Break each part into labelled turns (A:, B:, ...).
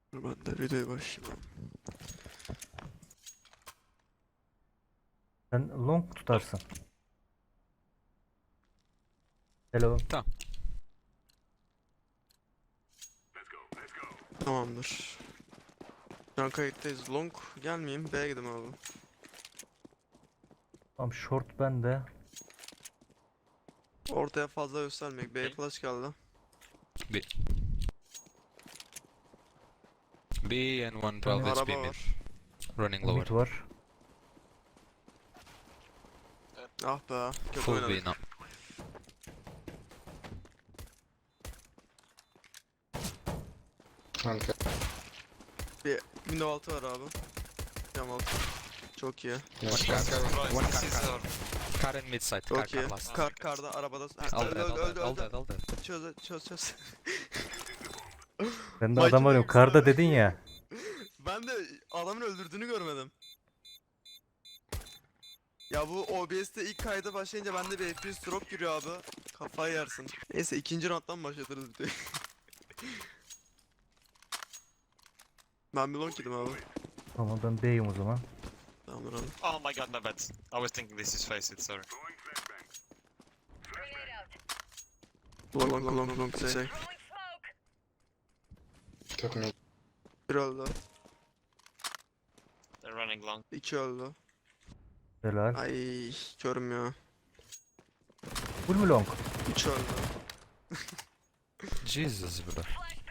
A: Ben de videoya başlayayım.
B: Sen long tutarsın. Hello.
C: Tamam.
A: Tamamdır. Şu an kayıttayız. Long gelmeyeyim. B'ye gidelim abi.
B: Tam short bende.
A: Ortaya fazla göstermek. B flash geldi.
C: B. B and 112 is B
A: Araba
C: mid.
A: var.
C: Running
B: Mid
C: lower.
B: var.
A: Ah be. Kötü
C: Full B
A: oynadık.
C: now.
D: Kanka.
A: Bir window altı var abi. Cam altı. Çok iyi.
D: Ya
C: One
D: kanka.
C: One car. Car and mid side. Car
A: Çok iyi.
C: last.
A: Karda arabada. Ha,
C: All
A: öldü
C: dead, all
A: öldü
C: dead, all
A: öldü.
C: dead, all dead.
A: Çöz.
B: Ben de
A: Vay
B: adam arıyorum.
A: canına,
B: Karda
A: güzel.
B: dedin ya.
A: Ben de adamın öldürdüğünü görmedim. Ya bu OBS'te ilk kayda başlayınca bende bir FPS drop giriyor abi. Kafayı yersin. Neyse ikinci round'dan başlatırız videoyu. Ben bir long yedim abi.
B: Tamam ben B'yim o zaman.
A: Tamamdır abi.
E: Oh my god, my bad. I was thinking this is face it, sorry.
A: Long şey.
D: Top mid.
A: Bir öldü.
E: They're running long.
A: İki öldü.
B: Helal.
A: Ay körüm ya.
B: Full mü long?
A: Üç öldü.
C: Jesus bro.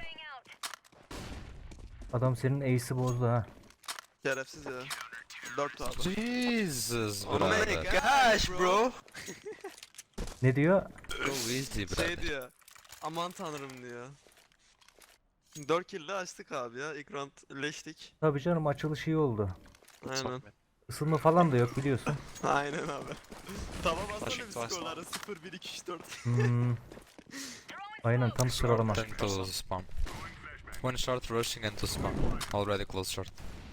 B: Adam senin ace'i bozdu ha.
A: Şerefsiz ya. Dört abi.
C: Jesus
A: Oh my
C: brother.
A: gosh bro.
B: Ne diyor?
C: Go easy
A: Şey
C: brother.
A: diyor. Aman tanrım diyor. 4 kill'le açtık abi ya. İlk round leştik.
B: Tabii canım açılış iyi oldu.
A: Aynen.
B: Isınma falan da yok biliyorsun.
A: Aynen abi. Tamam aslında
E: Flashing
A: bir
E: twice
A: skorları 0 1 2 3 4.
B: Hmm. Aynen tam sıralama.
C: Then to spawn. One short rushing and to spawn. Already close short.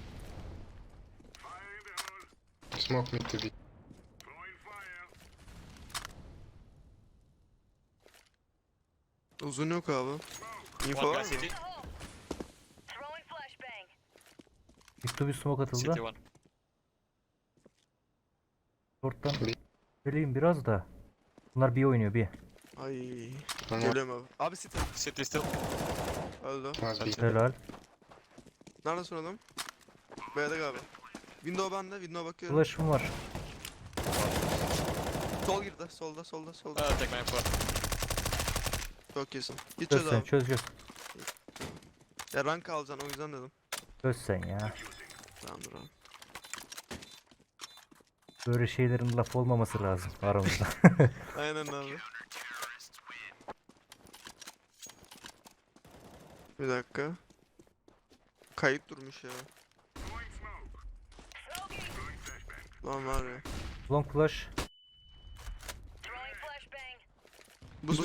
D: Smoke mid to be.
A: Uzun yok abi. Info
E: One
A: var
E: guy
A: mı?
E: city.
B: Yıktı bir smoke atıldı.
E: City one.
B: Short'tan
D: Bir.
B: geleyim biraz da. Bunlar bir oynuyor bir.
A: Ay.
D: Ama
A: Geliyorum abi. Abi city.
E: City still.
A: Öldü.
D: was B.
B: Helal.
A: Nerede son adam? B'de galiba. Window bende. Window bakıyorum.
B: Flash'ım var.
A: Sol girdi. Solda.
E: Take my info.
A: Çok iyisin. Git
B: Çöz
A: çöz
B: sen
A: abi.
B: çöz.
A: Ya rank alacaksın o yüzden dedim.
B: Çöz sen ya.
A: Tamamdır abi.
B: Böyle şeylerin laf olmaması lazım aramızda.
A: Aynen abi. Bir dakika. Kayıt durmuş ya. Lan var ya.
B: Long flash.
A: Buz.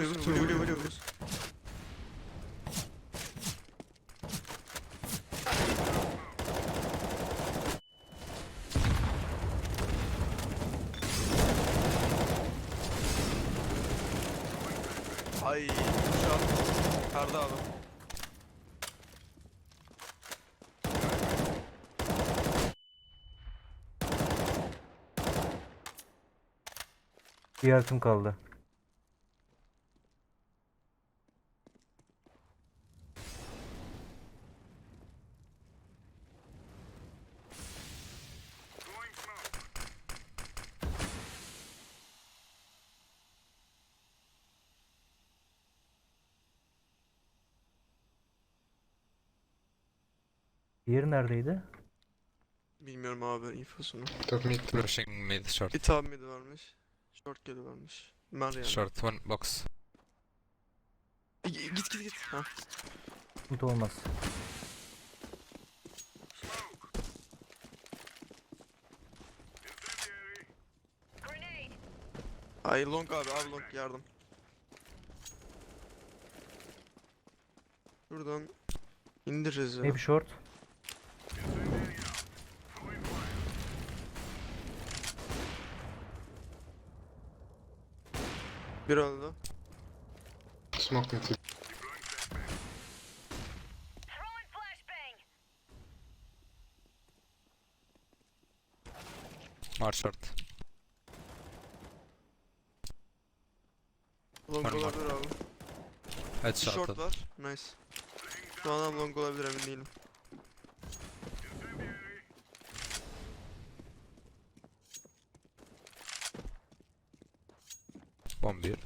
A: Ay şu an karda abi.
B: Bir altım kaldı. Diğeri neredeydi?
A: Bilmiyorum abi infosunu.
D: Top mid.
C: Rushing mid short.
A: Bir tane mid varmış. Short geli varmış. Mer yani.
C: Short one box.
A: Git. Ha.
B: Sıkıntı olmaz.
A: Ay long abi long yardım. Şuradan indiririz ya.
B: Maybe short.
A: Bir öldü.
D: Smoke mid to
C: One short.
A: Long
C: Var mı?
A: olabilir abi. Bir
C: Headshot.
A: short var. Nice. Şu an adam long olabilir, emin değilim.
C: Bomb bir.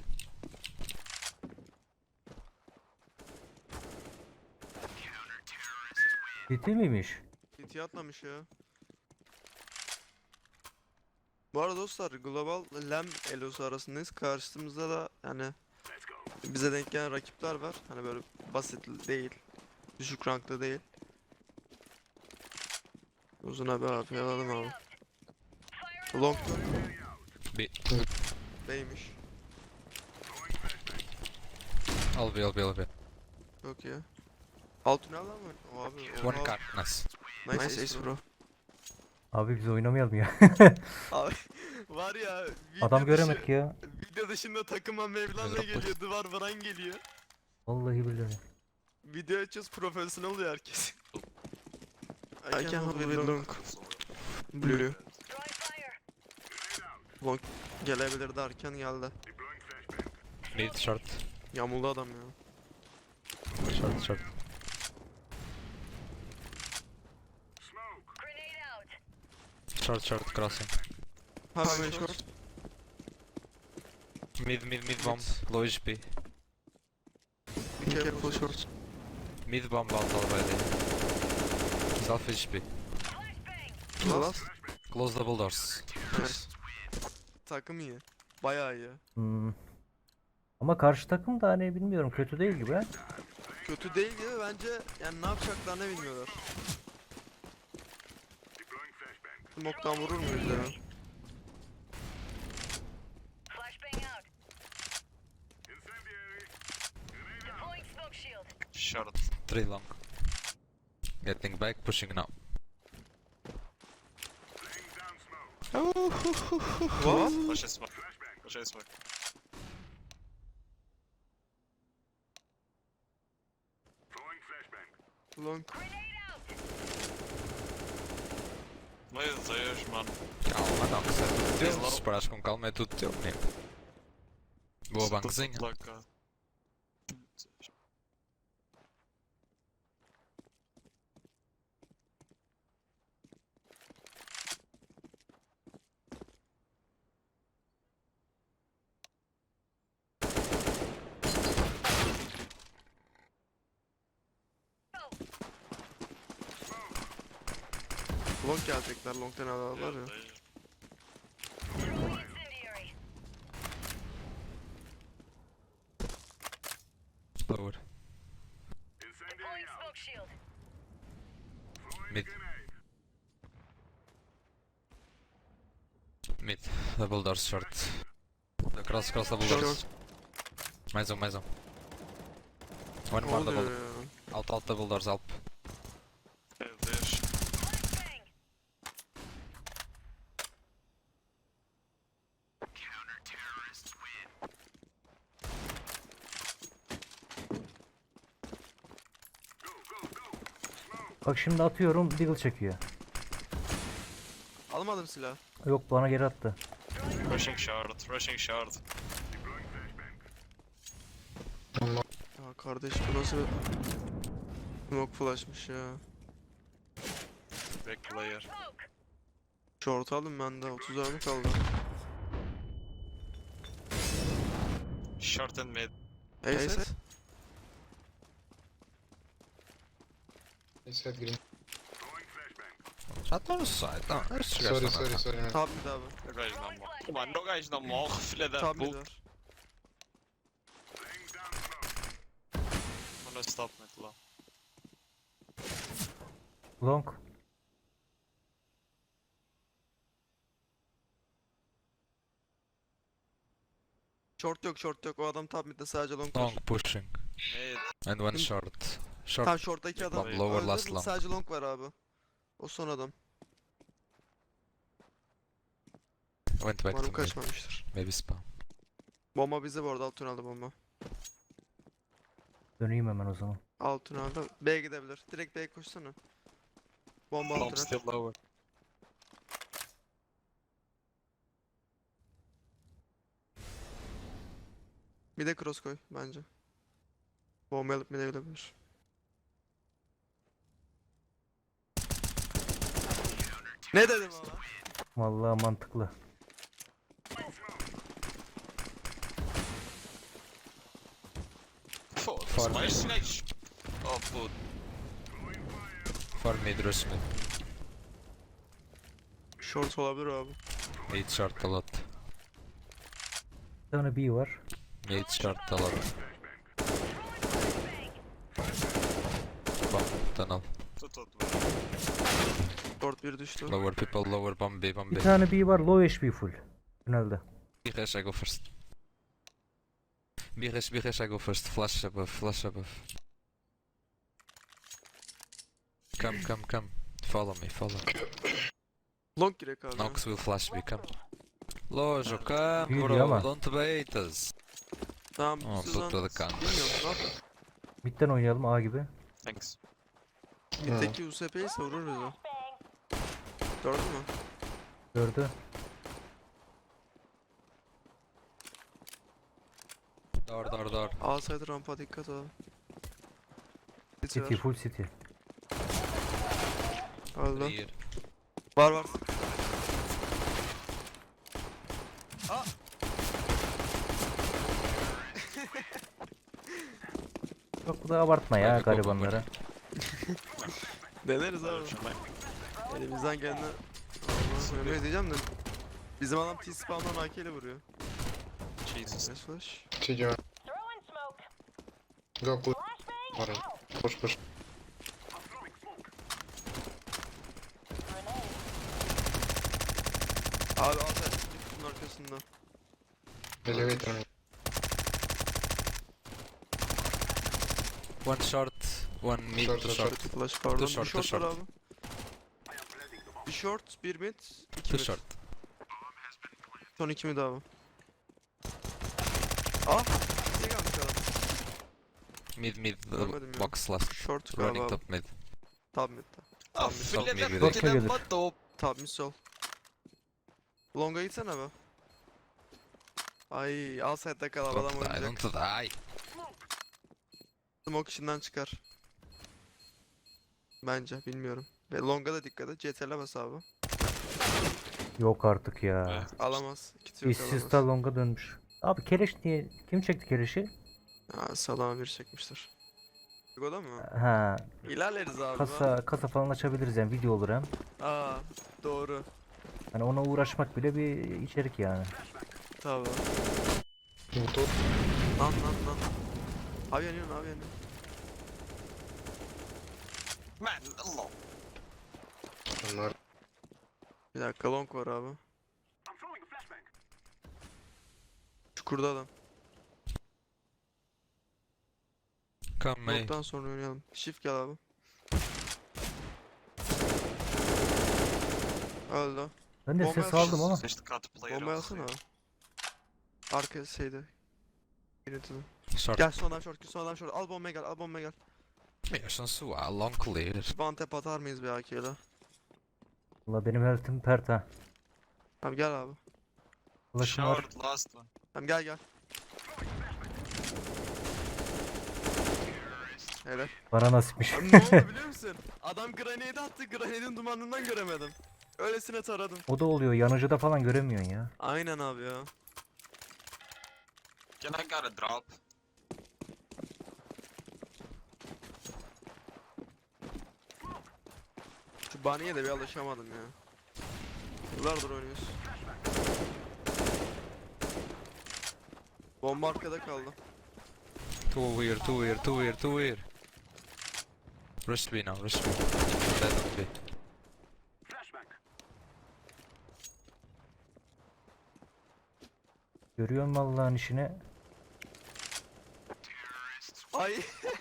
B: Ciddi miymiş?
A: CT atlamış ya. Bu arada dostlar, Global LAM elosu arasındayız. Karşımızda da yani bize denk gelen rakipler var. Hani böyle basit değil. Düşük rankta değil. Uzun abi alalım abi. Long
C: Bir.
A: B'ymiş.
C: Al bir.
A: Çok iyi. Alt tünel var mı? O abi.
C: One car. Nice.
A: Nice ace bro.
B: Abi biz oynamayalım ya.
A: Abi var ya, video
B: Adam
A: dışı-
B: göremedik ya.
A: Video dışında takıma Mevlan'la
C: Yazık.
A: geliyor, duvar varan geliyor.
B: Vallahi billahi.
A: Video açıyoruz, profesyonel oluyor herkes. I can hold with long. Blue. Long gelebilir derken geldi.
C: Mid short.
A: Yamuldu adam ya.
C: Short. Short crossing.
A: Hemen short.
C: Mid bomb. Low HP.
A: Be careful short.
C: Mid bomb out already. He's half HP.
A: Last.
C: Close double doors.
A: Nice. Takım iyi. Bayağı iyi.
B: Hmm. Ama karşı takım da hani bilmiyorum, kötü değil gibi ha.
A: Kötü değil gibi bence, yani ne yapacaklarını bilmiyorlar. Smoke'tan vurur muyuz ya?
E: Short.
C: 3 long. Getting back, pushing now.
A: What?
E: Watch this smoke. Watch this smoke.
A: Long.
E: Meu Deus, mano.
C: Calma, não, que isso é tudo teu.
E: Slow.
C: Se parares com calma é tudo teu, menino. Boa banquezinha.
E: Like,
A: Long gelecekler, long'tan alırlar ya.
C: Lower. Mid. Mid. Double doors short. Cross double doors.
A: Short.
C: Mais um. One
A: Ne
C: more double.
A: oluyor ya?
C: Alt double doors, help.
E: Meu Deus.
B: Bak şimdi atıyorum, Deagle çekiyor.
A: Almadım silah.
B: Yok, bana geri attı.
E: Rushing short. Rushing short.
A: Ya kardeş, bu nasıl smoke flash'mış ya.
E: Big player.
A: Short aldım ben de, 30 mermi kaldı.
E: Short and mid.
A: Ace.
D: He said green.
C: Já estão no site, não. Estes
D: Sorry,
C: gajos
D: sorry,
C: estão
D: sorry, man.
A: Top mid abi.
E: O gajo não morre. Mano, o gajo não morre, filha da
A: Top mid
E: puta.
A: var.
E: Mano, stop mid lá.
B: Long.
A: Short yok. O adam top midde, sadece long var.
C: long pushing.
E: Mid.
C: And one short. Short.
A: Tam short'taki adam.
C: Bomb lower,
A: Öldü,
C: last long.
A: sadece long var abi. O son adam.
C: Went back
A: Umarım
C: to mid.
A: kaçmamıştır.
C: Maybe spam.
A: Bomba bize bu arada, alt tünelde bomba.
B: Döneyim hemen o zaman.
A: Alt tünelde. B'ye gidebilir. Direkt B'ye koşsana. Bomba alt
E: Bomb
A: tünel.
E: still lower.
A: Bir de cross koy bence. Bomba alıp bir de gelebilir. Ne dedim ama?
B: Vallahi mantıklı.
E: Oh,
C: Far
E: my
C: mid.
E: snatch. Oh, food.
C: For mid, rush mid.
A: Short olabilir abi.
C: Mid short a lot.
B: Bir tane B var.
C: Mid short a lot. Bomb tunnel.
E: Tut.
A: Short bir düştü.
C: Lower people, lower bomb B, bomb
B: Bir
C: B.
B: tane B var. Low HP full. Tünelde.
C: B rush, I go first. B rush, I go first. Flash above, flash above. Come. Follow me, follow me.
A: Long girek abi.
C: Nox will flash B, come. Lojo, come
B: Büyüdü
C: bro,
B: ama.
C: don't bait us.
A: Tamam
C: Aa,
A: siz
C: tuttu
A: lan.
C: da kan.
A: Bilmiyorum ne yapayım.
B: Mid'den oynayalım A gibi.
E: Thanks.
A: Mitteki USP'yi ise vurur bizi. Gördün mü?
B: Gördü.
C: Door.
A: Alsaydı rampa dikkat abi.
B: City
A: City
B: full city.
A: var. Öldü.
C: Clear.
A: Var.
B: Çok bu da abartma ya
C: Hadi go,
B: garibanlara.
A: Deneriz abi. Elimizden geleni söylemeyi diyeceğim de bizim adam T-spawn'dan AK ile vuruyor.
E: Jesus.
A: Nice flash.
D: CJ. Go push. Alright. Push.
A: Abi Altay bunun arkasında.
D: Elevator mid.
C: One short, one mid,
D: Short,
C: two
D: short.
C: short.
A: Flash pardon.
C: short,
A: Bir short
C: short.
A: var abi. Bir short, bir mid, iki
C: Two
A: mid.
C: short.
A: Son iki mid abi. Ah! Ne gelmiş adam?
C: Mid,
A: Görmedim ya.
C: box last.
A: Short galiba
C: Running
A: abi.
C: top mid.
A: Top mid'de.
E: Oh,
C: Stop me
E: fillet
C: with
B: it.
E: till
B: Gelir.
E: I'm not top.
A: Top mid sol. Long'a gitsene be. Ay, al side'da kal abi, adam
C: Don't die,
A: oynayacak.
C: don't die.
A: Smoke içinden çıkar. Bence, bilmiyorum. Ve Long'a da dikkat et. CTRL'e bas abi.
B: Yok artık ya.
E: Evet.
A: Alamaz. Kit yok
B: İşsiz
A: alamaz.
B: da longa dönmüş. Abi keleş niye? Kim çekti keleşi?
A: Ha, salama bir çekmiştir. O da mı?
B: Ha,
A: İlerleriz abi.
B: kasa falan açabiliriz yani video olur hem.
A: Aa, doğru.
B: Hani ona uğraşmak bile bir içerik yani.
A: Tabii.
D: Auto.
A: Lan. Abi yanıyorsun.
E: Man, Allah.
D: Onlar.
A: Bir dakika long var abi. Çukurda adam.
C: Come May.
A: Long'dan sonra oynayalım. Shift gel abi. Öldü.
B: Ben de
A: Bomba
B: ses aldım ama.
E: Just cut the player
A: Bomba
E: off.
A: alsana abi. Arka şeyde. Yönetimi.
C: Short.
A: Gel sondan short. Al bombaya gel.
C: Meersen Sua, long clear.
A: One tap atar mıyız bir AK ile?
B: Valla benim health'im pert ha.
A: Tamam gel abi.
B: Flash'ım var.
E: Short, last one.
A: Tamam gel. Helal.
B: Bana nasipmiş.
A: Abi ne oldu biliyor musun? Adam grenade attı. Grenade'in dumanından göremedim. Öylesine taradım.
B: O da oluyor. Yanıcıda falan göremiyorsun ya.
A: Aynen abi ya.
E: Can I get a drop?
A: Şu Bunny'e de bir alışamadım ya. Yıllardır oynuyoruz. Bomba arkada kaldı.
C: Two here. Rush B now, rush B. Dead on B.
B: Görüyorsun vallahi işini.
A: Ay.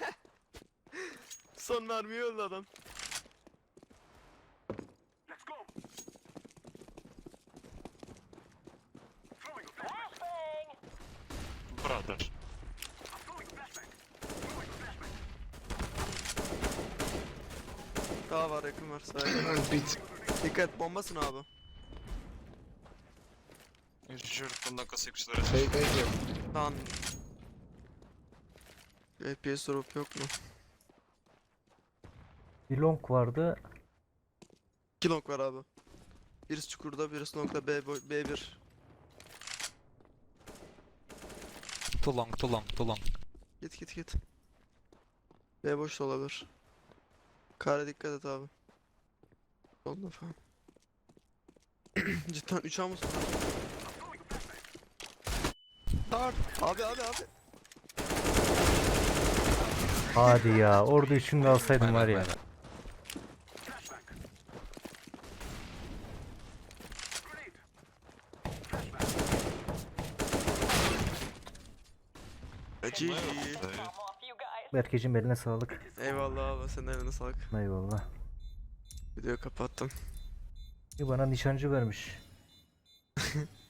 A: Son mermiyi öldü adam.
E: Brother.
A: Daha var yakın var sahaya.
D: And beat.
A: Dikkat bombasın abi.
E: Jurt bundan kasıkçıları.
D: Fake idea.
A: Lan FPS drop yok mu?
B: Bir long vardı.
A: 2 long var abi. Birisi çukurda, birisi longda B1.
C: Too long, too long, too long.
A: Git. B boş da olabilir. Kare dikkat et abi. Solda falan. Cidden 3 A mısın? Abi.
B: Hadi ya. Orada üçünü alsaydım var ya.
A: GG.
B: Berkeciğim eline sağlık.
A: Eyvallah abi, senin eline sağlık.
B: Eyvallah.
A: Videoyu kapattım.
B: Bir bana nişancı vermiş.